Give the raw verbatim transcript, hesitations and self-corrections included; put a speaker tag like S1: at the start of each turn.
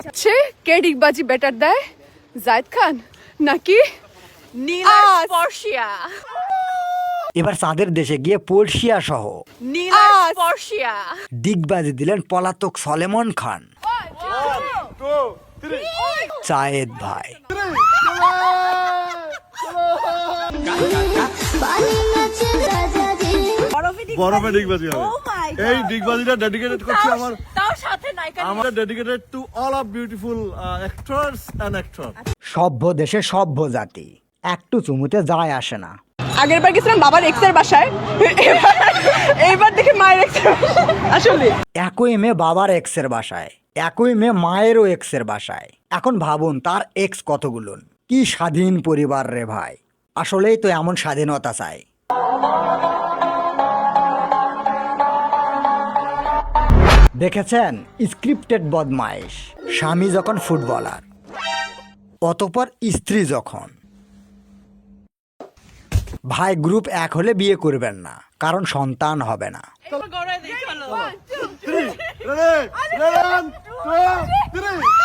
S1: সে কে ডিগবাজি better দেয়, জায়েদ খান নাকি
S2: নীলার স্পর্শিয়া?
S3: এবার চাঁদের দেশে গিয়ে পড়শিয়া সহ
S2: নীলার স্পর্শিয়া
S3: ডিগবাজি দিলেন পলাতক সলেমন খান। জায়েদ ভাই
S4: বরফে ডিগবাজি হবে। এই ডিগবাজিটা ডেডিকেটেড করছি আমার
S2: তাও সাথে নায়িকা
S4: আমরা dedicated to all of beautiful actors and actor.
S3: সভ্য দেশে সভ্য জাতি, একটু চুমুতে যায় আসে না।
S1: আগের বার গেছিলাম বাবার এক্সের বাসায়, এইবার দেখি মায়ের এক্সের আসলে
S3: একই মেয়ে বাবার এক্সের বাসায়, একই মেয়ে মায়েরও এক্সের বাসায়। এখন ভাবুন তার এক্স কতগুলো। কি স্বাধীন পরিবার রে ভাই, আসলেই তো এমন স্বাধীনতা চাই। দেখেছেন স্ক্রিপ্টেড বদমাইশ, স্বামী যখন ফুটবলার, অতঃপর স্ত্রী যখন। ভাই গ্রুপ এক হলে বিয়ে করবেন না, কারণ সন্তান হবে না।
S2: গড়ায় দেখালো।
S4: Ready? Ready? One, two, three.